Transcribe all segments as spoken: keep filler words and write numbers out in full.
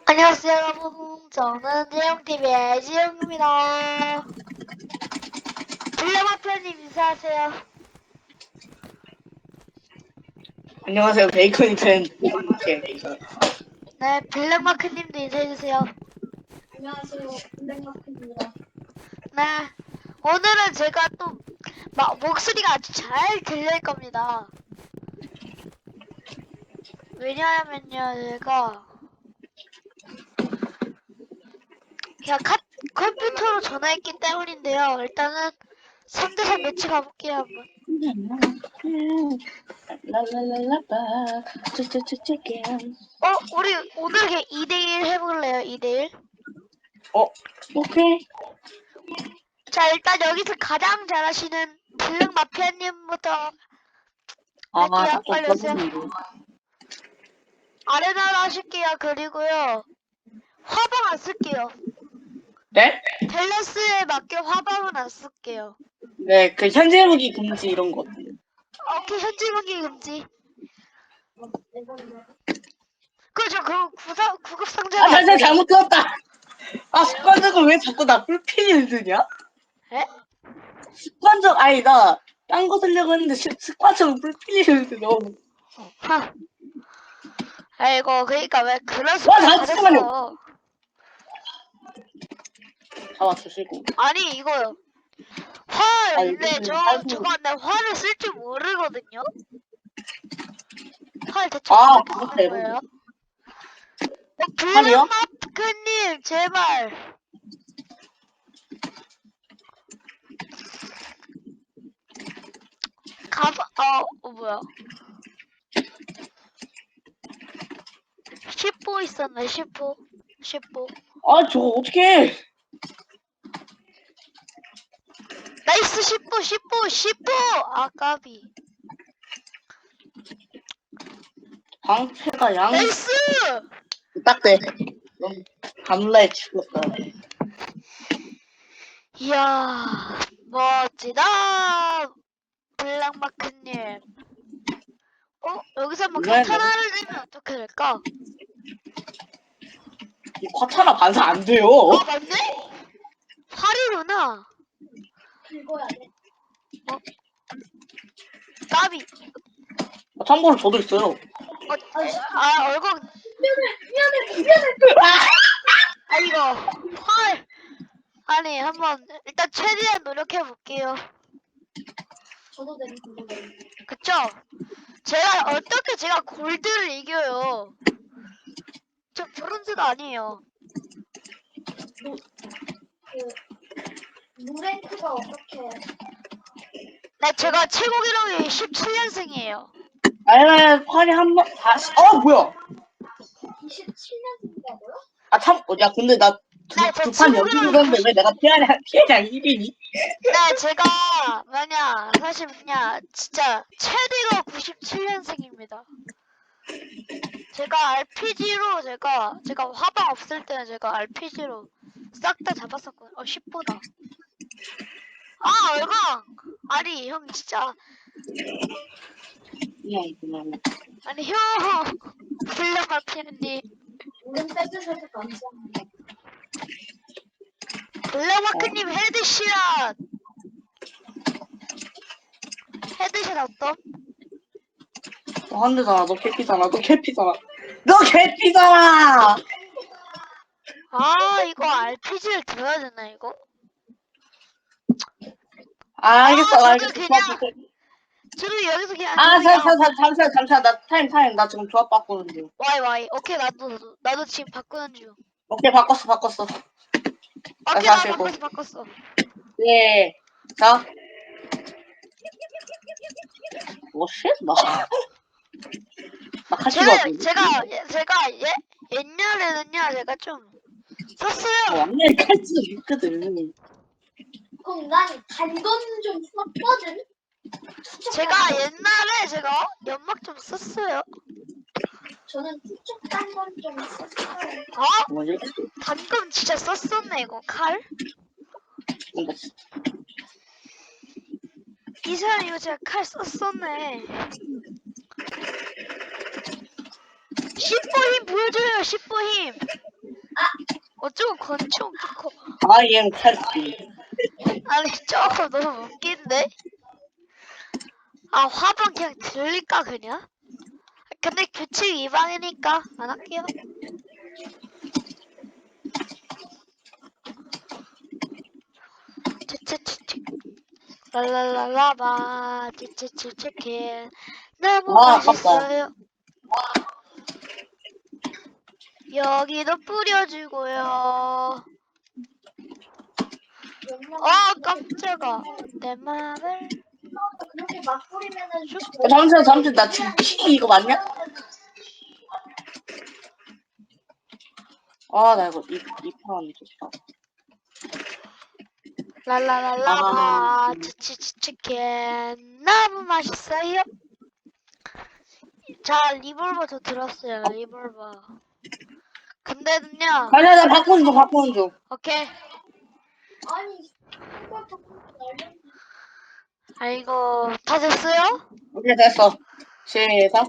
안녕하세요 여러분, 저는 재영티비의 지영입니다. 블랙마표님 인사하세요. 안녕하세요. 베이컨이 된 베이컨. 네, 블랙마크님도 인사해주세요. 안녕하세요. 블랙마크입니다. 네, 오늘은 제가 또 마, 목소리가 아주 잘 들릴 겁니다. 왜냐하면요, 제가 그냥 카, 컴퓨터로 전화했기 때문인데요. 일단은 삼 대 삼 매치 가볼게요 한번. 랄랄랄라바 쭈쭈쭈쭈게. 어, 우리 오늘 그냥 이 대 일 해볼래요? 이 대 일? 어, 오케이. 자, 일단 여기서 가장 잘하시는 블랙 마피아님부터 아, 할게요. 좀 빨리 오세요. 떠보는데. 아레나로 하실게요. 그리고요, 화방 안 쓸게요. 네? 밸런스에 맞게 화방은 안 쓸게요. 네, 그 현재 무기 금지 이런 거. 오케이, 현지 무기 금지. 그죠, 그 구사, 구급 상자가 아, 안 잠시만 돼요. 잘못 들었다. 아, 습관적으로 왜 자꾸 나 풀핀을 드냐? 에? 습관적 아니다. 딴 거 쓰려고 했는데 습- 습관적으로 풀핀을 드려. 하. 아이고, 그러니까 왜 그런 와, 습관 나 잠깐만요. 가졌어. 잡아주시고. 아니, 이거요. 활, 아니, 근데 이거는 저, 짧은 저거 거. 근데 활을 쓸 줄 모르거든요? 활 대체 아, 어떻게 그것도 쓰는 해보네. 거예요? 어, 활이요? 블랙마크님, 제발. 가봐, 어, 어, 뭐야. 십보 있었네, 십보. 십보. 아, 저거 어떻게 나이스, 십보, 십보, 십보! 아, 까비. 방패가 양. 나이스! 딱 돼. 넌 밤라에 죽었다. 이야, 멋지다! 블랙마크님. 어? 여기서 한번 왜, 카타나를 내면 어떻게 될까? 이 과타나 반사 안 돼요. 아, 맞네? 활이구나. 긁어야 돼. 까비. 아, 참고로 저도 있어요. 어, 아, 얼굴, 미안해, 미안해, 미안해. 아, 이거, 활. 아니, 한번, 일단 최대한 노력해볼게요. 저도 되는 저도 되는. 그쵸? 제가, 어떻게 제가 골드를 이겨요? 저 브론즈도 아니에요. 그 무랭크가 어떻게? 네, 제가 최고 기록이 십칠 년생이에요. 아니, 팔이 한 번, 다시, 어, 뭐야? 이십칠 년생이라고요? 아, 참, 어, 야, 근데 나 네, 제 두 판 친구들은 연속 이겼는데 왜 내가 피해량, 피해량 일 위니? 네, 제가, 뭐냐, 사실 뭐냐, 진짜, 최대가 구십칠 년생입니다. 제가 알피지로, 제가, 제가 화방 없을 때는 제가 알피지로 싹 다 잡았었거든요. 어, 십보다. 아, 얼광! 아니, 형, 진짜. 그냥, 그냥. 아니, 형! 블랙마 피는님. 오른 빼주셔서 감사합니다. 블랙마크님 헤드샷! 헤드샷 어떤? 어, 한 대잖아. 너 개피잖아. 너 개피잖아. 너 개피잖아! 아, 이거 알피지를 들어야 되나, 이거? 아, 알겠어, 아, 저도 알겠어. 그냥- 조합 바꿔. 저도 여기서 그냥, 아, 저도 잠, 잠, 그냥, 잠, 잠시만, 잠시만. 나 타임, 타임. 나 지금 조합 바꾸는 중. 와이, 와이. 오케이, 나도, 나도, 나도 지금 바꾸는 중. 오케이, 바꿨어, 바꿨어. 오케이, 나 하시고. 바꿨어, 바꿨어. 예. 자. 뭐, 쉣? 나. 나 카시가 제가, 어디? 제가, 예- 제가, 예, 옛날에는요, 제가 좀, 썼어요. 완전 탈수 있거든. 그럼 난 단돈 좀 썼거든. 제가 옛날에 제가 연막 좀 썼어요. 저는 투척 단돈 좀 썼어요. 어? 뭐지? 방금 진짜 썼었네, 이거, 칼? 뭔가 이 사람 이거 제가 칼 썼었네. 십보 힘 보여줘요, 십보 힘. 어쩌고 권총 뚫고. I am 탈피. 아니 조금 너무 웃긴데? 아 화방 그냥 들릴까 그냥? 근데 규칙 위반이니까 안 할게요. 치치치치 랄랄랄라바 치치치치킨 너무 아, 아깝다. 맛있어요. 여기도 뿌려주고요. 아 깜짝아 내 맘을 그렇게 막 뿌리면은 어, 잠시만, 잠시만. 나 지금 키 이거 맞냐? 아, 나 이거 입, 입하면 좋다. 랄랄랄라바 치치치치킨 너무 맛있어요. 자 리볼버 저 들었어요. 리볼버. 근데는요. 아니야, 나 바꾸는 중, 바꾸는 중. 오케이. 아니 이걸 자꾸 날려. 아이고 다 됐어요? 오케이, 됐어. 시작.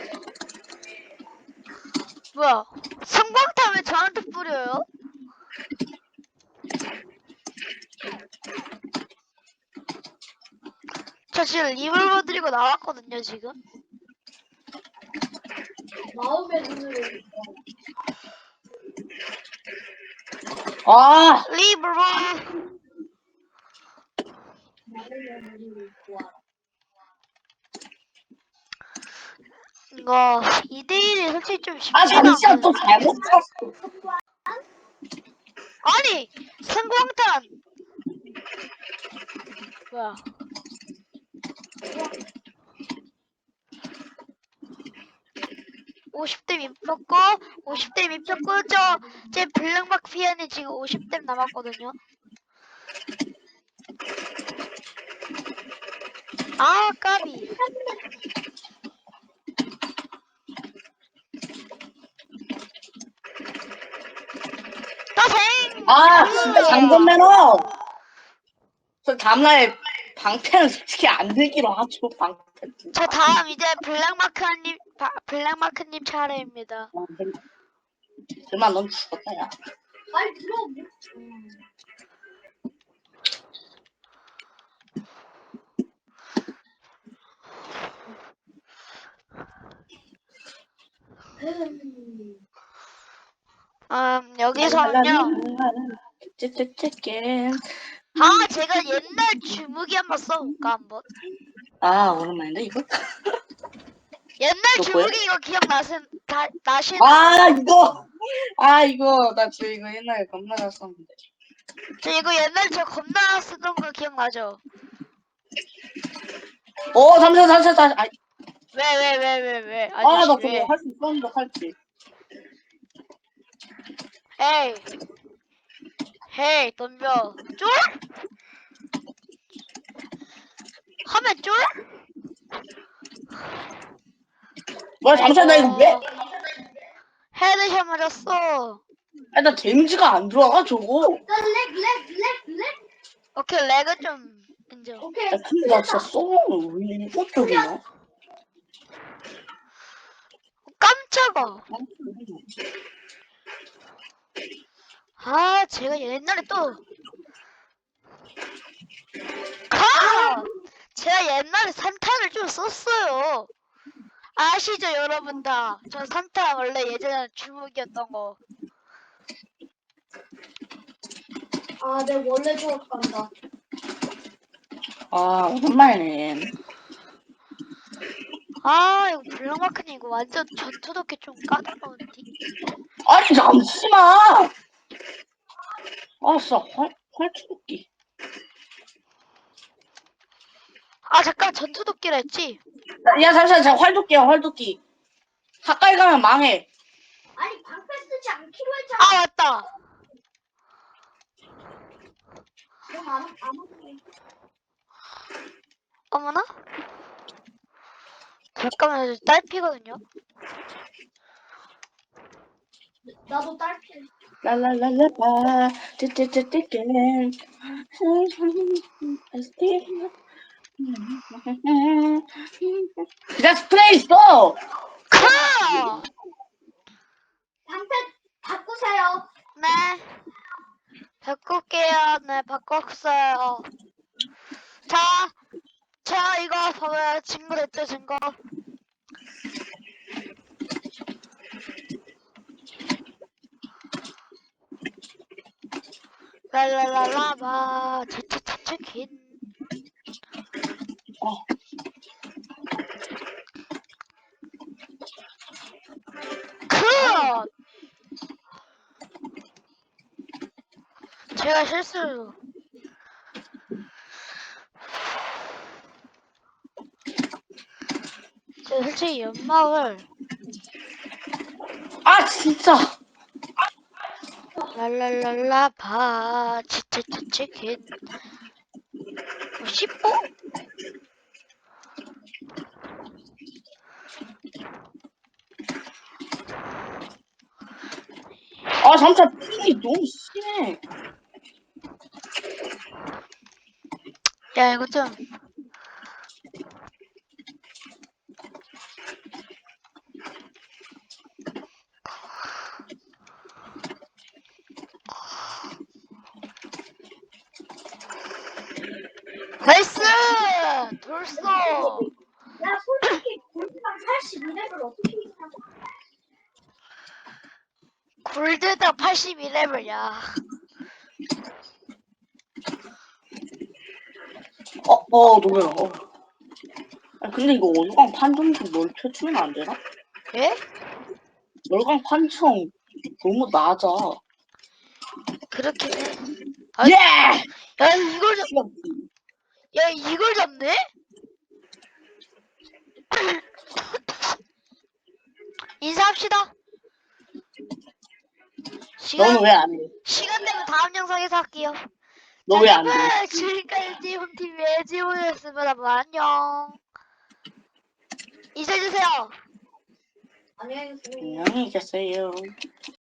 뭐야? 성광탄 왜 저한테 뿌려요? 저 지금 리볼버 들고 나왔거든요 지금. 마음의 눈으로. 아, 리볼버. 마음의 눈으로 좋아. 이거 이 대 일이 솔직히 좀 쉽지 아, 잠시만, 또 않거든. 잘못 쳤어. 아니 성광탄. 뭐야? 오십 대 민표고 오십 대 민표고 저제 블랙박 피안이 지금 오십 대 남았거든요. 아 까비. 떠생. 아, 진짜 장전 매너. 저 다음날 방패는 솔직히 안 들기로 하죠, 방패. 저 다음 이제 블랙마크님 바- 블랙마크님 차례입니다. 설마 넌 죽었다, 야. 말 들어. 음. 음 여기서는요. 찌찌찌찌. 아 제가 옛날 주무기 한번 써볼까 한번. 아, 오랜만인데, 이거? 옛날 이거 뭐야? 주무기 이거 기억나신 다 나시나요? 아, 이거! 아, 이거, 나 지금 이거 옛날에 겁나 잘 썼는데. 저 이거 옛날 저 겁나 쓰던 거 기억나죠? 어, 잠시만, 잠시만, 잠시만. 아, 왜 왜 왜 왜 왜 아, 나 아저씨 그거 왜? 할 수 있었는데, 할지. 헤이 헤이 덤벼 쫄? 하면 쫄? 뭐야, 잠시만, 나 이거 왜? 헤드샷 맞았어. 아, 나 데미지가 안 들어가, 저거. 렉렉렉렉렉. 오케이 렉은 좀 인정. 오케이. 야, 근데 나 진짜 쏘면 왜 이거 쪽이냐? 깜짝아. 아 제가 옛날에 또 카! 제가 옛날에 산탄을 좀 썼어요. 아시죠 여러분 다. 저 산탄 원래 예전에 주무기였던 거. 아, 내 원래 수업 간다. 아, 오랜만이네. 아 이거 블랙마크님 이거 완전 전투독해 좀 까다로운데. 아니, 잠시만! 아, 진짜, 활, 활투기. 아 잠깐 전투독기라 했지? 야, 잠시만, 제가 활도끼야, 활도끼. 가까이 가면 망해. 아니 방패 쓰지 않기로 했잖아. 아 맞다. 그럼 안, 안 할게. 어머나? 잠깐만요 저 딸피거든요. 나도 딸피. 라라라라라, 찌찌찌찌찌. 그냥 스프레이 있어! 카! 방패 바꾸세요. 네. 바꿀게요. 네, 바꿨어요. 자, 자, 이거 봐봐요. 증거 됐죠, 증거. 랄랄랄라바, 치치치치킨. 어. 그! 제가 실수. 제가 솔직히 연막을 아 진짜. 랄랄랄라바, 치치치치킨. 뭐, 십보? 아 잠깐 핑이 너무 심해. 야, 이거 좀. 나이스! 돌쏘! 야 솔직히 골드랑 팔십이 레벨 어떻게 이기냐? 골드다 팔십이 레벨이야. 어어 노래야. 어. 아 근데 이거 월광 판정 좀 넓혀주면 안 되나? 예? 월광 판정 너무 낮아. 그렇긴 해. 아, 예! 야, 이걸 잡, 시간 야, 이걸 잡네? 인사합시다. 시간, 너는 왜 안 해? 시간 되면 다음 영상에서 할게요. 너 자, 왜 안 해? 여러분, 지금까지 홈티비의 지훈이었습니다. 뭐, 안녕. 인사해주세요. 안녕히 계세요. 안녕히 계세요.